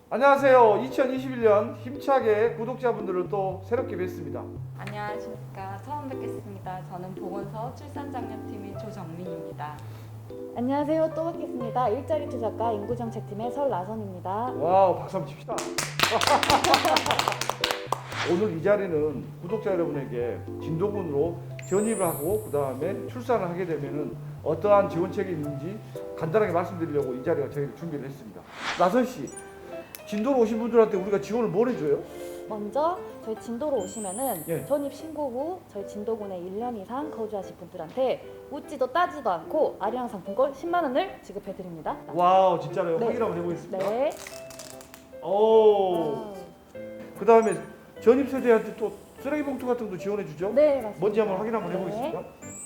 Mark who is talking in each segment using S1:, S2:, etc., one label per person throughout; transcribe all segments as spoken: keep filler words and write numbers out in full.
S1: 안녕하세요. 이천이십일 년 힘차게 구독자분들을 또 새롭게 뵙습니다.
S2: 안녕하십니까. 처음 뵙겠습니다. 저는 보건소 출산장려팀의 조정민입니다.
S3: 안녕하세요. 또 뵙겠습니다. 일자리 투자과 인구정책팀의 설나선입니다.
S1: 와우, 박수 한번 칩시다. 오늘 이 자리는 구독자 여러분에게 진도군으로 전입을 하고 그 다음에 출산을 하게 되면은 어떠한 지원책이 있는지 간단하게 말씀드리려고 이 자리가 저희가 준비를 했습니다. 나선 씨, 진도로 오신 분들한테 우리가 지원을 뭘 해줘요?
S3: 먼저 저희 진도로 오시면은
S1: 예.
S3: 전입 신고 후 저희 진도군에 일 년 이상 거주하신 분들한테 묻지도 따지도 않고 아리랑 상품권 십만 원을 지급해드립니다.
S1: 와우, 진짜로요?
S3: 네.
S1: 확인 한번 해보겠습니다.
S3: 네.
S1: 오.
S3: 아,
S1: 그 다음에 전입 세대한테 또 쓰레기 봉투 같은 것도 지원해 주죠?
S3: 네, 맞습니다.
S1: 뭔지 한번 확인 한번
S3: 네.
S1: 해보겠습니다.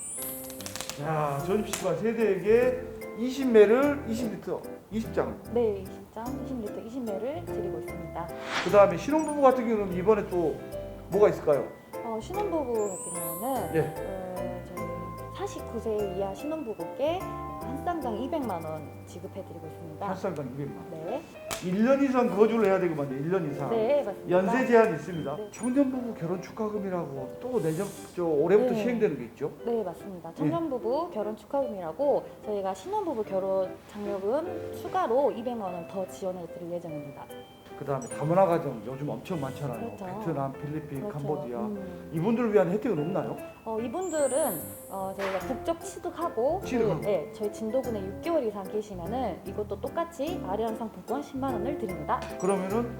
S1: 자, 전입시간 세대에게 이십 매를 이십 리터, 이십 장.
S3: 네, 이십 장, 이십 리터, 이십 매를 드리고 있습니다.
S1: 그 다음에 신혼부부 같은 경우는 이번에 또 뭐가 있을까요?
S3: 어, 신혼부부 같은 경우는
S1: 예.
S3: 어, 저희 사십구 세 이하 신혼부부께 한 쌍당 이백만 원 지급해드리고 있습니다.
S1: 한 쌍당 이백만 원.
S3: 네,
S1: 일 년 이상 거주를 해야 되거든요. 일 년 이상.
S3: 네, 맞습니다.
S1: 연세 제한이 있습니다.
S3: 네.
S1: 청년부부 결혼 축하금이라고 또 내년 저 올해부터
S3: 네.
S1: 시행되는 게 있죠?
S3: 네, 맞습니다. 청년부부 결혼 축하금이라고 저희가 신혼부부 결혼 장려금 추가로 이백만 원 더 지원해 드릴 예정입니다.
S1: 그 다음에 다문화 가정 요즘 엄청 많잖아요.
S3: 그렇죠.
S1: 베트남, 필리핀,
S3: 그렇죠.
S1: 캄보디아.
S3: 음.
S1: 이분들을 위한 혜택은 없나요?
S3: 어, 이분들은 어, 저희가 국적 취득하고
S1: 취득하고.
S3: 그, 네, 저희 진도군에 육 개월 이상 계시면은 이것도 똑같이 아리랑 상품권 십만 원을 드립니다.
S1: 그러면은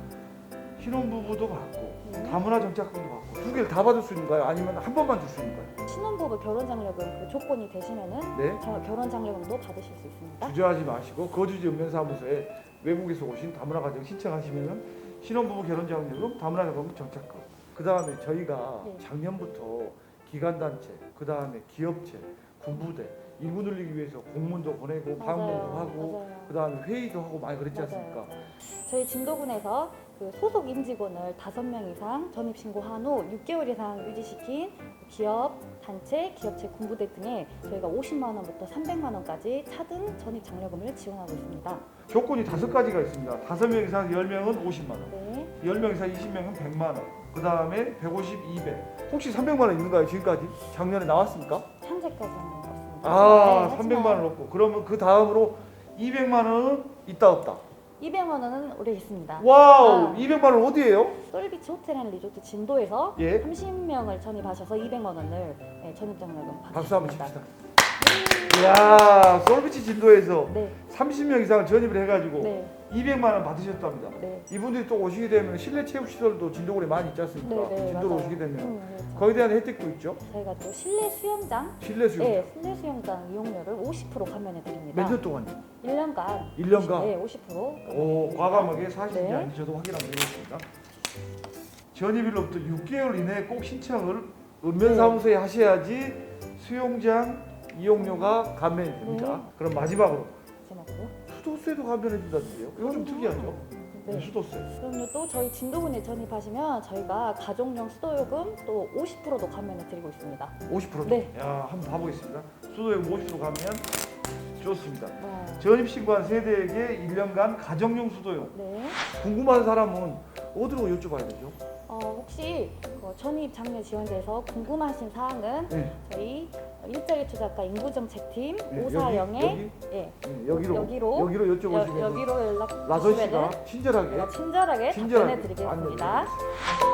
S1: 신혼부부도 받고
S3: 네.
S1: 다문화 정착금도 받고 두 개를 다 받을 수 있는가요? 아니면 한 번만 줄 수 있는가요?
S3: 신혼부부 결혼 장려금 그 조건이 되시면은
S1: 네.
S3: 저- 결혼 장려금도 받으실 수 있습니다.
S1: 주저하지 마시고 거주지 읍면사무소에 외국에서 오신 다문화 가정 신청하시면은 신혼부부 결혼장려금, 다문화 자금 정착금. 그 다음에 저희가
S3: 네.
S1: 작년부터 기관단체, 그 다음에 기업체, 군부대 인구 늘리기 위해서 공문도 보내고 방문도 하고
S3: 맞아요.
S1: 그 다음에 회의도 하고 많이 그랬지
S3: 맞아요,
S1: 않습니까?
S3: 맞아요. 저희 진도군에서 그 소속 임직원을 다섯 명 이상 전입 신고한 후 육 개월 이상 유지시킨 기업, 단체, 기업체, 군부대 등에 저희가 오십만 원부터 삼백만 원까지 차등 전입 장려금을 지원하고 있습니다.
S1: 조건이 다섯 가지가 있습니다. 다섯 명 이상 열 명은 오십만 원,
S3: 네.
S1: 열 명 이상 이십 명은 백만 원, 그 다음에 백오십, 이백. 혹시 삼백만 원 있는가요? 지금까지? 작년에 나왔습니까?
S3: 현재까지는 없습니다.
S1: 아,
S3: 네,
S1: 삼백만
S3: 하지만
S1: 원 없고. 그러면 그 다음으로 이백만 원은 있다 없다.
S3: 이백만 원은 올해 있습니다.
S1: 와우,
S3: 아.
S1: 이백만 원 어디예요?
S3: 솔비치 호텔 앤 리조트 진도에서
S1: 예.
S3: 삼십 명을 전입하셔서 이백만 원을 네, 전입 장려금 받으십니다.
S1: 박수 한번 칩시다. 이야, 솔비치 진도에서
S3: 네,
S1: 삼십 명 이상을 전입을 해가지고
S3: 네,
S1: 이백만 원 받으셨답니다.
S3: 네.
S1: 이분들이 또 오시게 되면 실내 체육 시설도 진도군에 많이 있지 않습니까?
S3: 네, 네,
S1: 진도로
S3: 맞아요.
S1: 오시게 되면
S3: 음, 그렇죠.
S1: 거기에 대한 혜택도 있죠.
S3: 저희가 또 실내 수영장,
S1: 실내 수영.
S3: 네, 실내 수영장 이용료를 오십 퍼센트 감면해 드립니다.
S1: 몇 년 동안요?
S3: 일 년간.
S1: 일 년간?
S3: 네, 오십 퍼센트.
S1: 오, 과감하게 사십 년
S3: 네.
S1: 아닌지 저도 확인 한번 해보겠습니다. 전입일로부터 육 개월 이내에 꼭 신청을 읍면사무소에 하셔야지 수영장 이용료가 감면이 됩니다.
S3: 네.
S1: 그럼 마지막으로
S3: 마지막으로.
S1: 수도세도 감면해 준다는데요. 이거 좀 특이하죠?
S3: 네.
S1: 수도세.
S3: 그럼요. 또 저희 진도군에 전입하시면 저희가 가족용 수도요금 또 오십 퍼센트도 감면해 드리고 있습니다.
S1: 오십 퍼센트.
S3: 네.
S1: 야, 한번 봐보겠습니다. 수도요금 오십 퍼센트 가면 좋습니다.
S3: 와.
S1: 전입 신고한 세대에게 일 년간 가정용 수도용.
S3: 네.
S1: 궁금한 사람은 어디로 여쭤봐야 되죠?
S3: 어, 혹시 그 전입 장려 지원제에서 궁금하신 사항은
S1: 네.
S3: 저희 일자리 투자과 인구정책팀
S1: 네,
S3: 오사영에
S1: 여기,
S3: 예,
S1: 네, 여기로
S3: 여기로
S1: 여기로
S3: 여,
S1: 여쭤보시면
S3: 여기로 연락
S1: 라선
S3: 주시면은
S1: 씨가 친절하게
S3: 제가 친절하게
S1: 친절하게
S3: 답변해 드리겠습니다.
S1: 안내해 드리겠습니다.